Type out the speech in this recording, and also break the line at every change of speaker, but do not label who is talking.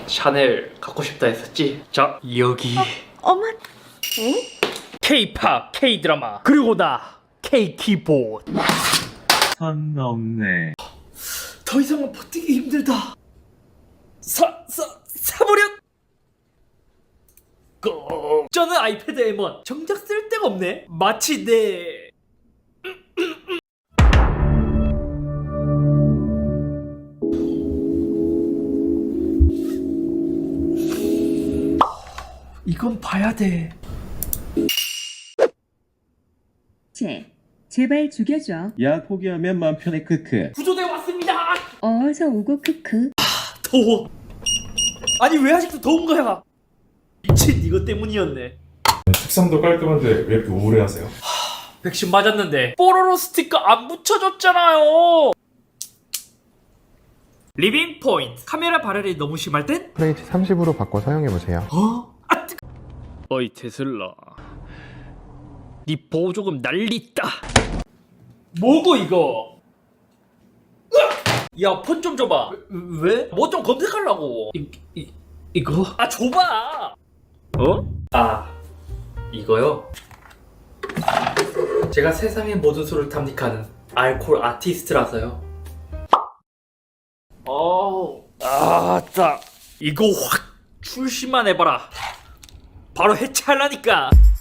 샤넬 갖고 싶다 했었지? 자, 여기
어머. 응?
K-팝, K-드라마, 그리고 나 K-키보드.
선 넘네.
더 이상은 버티기 힘들다. 사버려. 저는 아이패드 M1 정작 쓸 데가 없네. 마치 내 이건 봐야 돼.
제발 죽여줘.
야, 포기하면 맘 편해. 크크.
구조대 왔습니다.
어서 오고 크크.
더워. 아니 왜 아직도 더운 거야? 미친 이거 때문이었네.
책상도 깔끔한데 왜 이렇게 우울해하세요?
백신 맞았는데 뽀로로 스티커 안 붙여줬잖아요. 리빙 포인트. 카메라 발열이 너무 심할 땐?
FH 30으로 바꿔 사용해보세요.
어이 테슬라, 니 보조금 난리다. 뭐고 이거? 야 폰 좀 줘봐. 왜? 뭐 좀 검색하려고. 이거? 아 줘봐. 어? 아 이거요? 제가 세상의 모든 수를 탐닉하는 알콜 아티스트라서요. 아따 이거 확 출시만 해봐라. 바로 해체하려니까.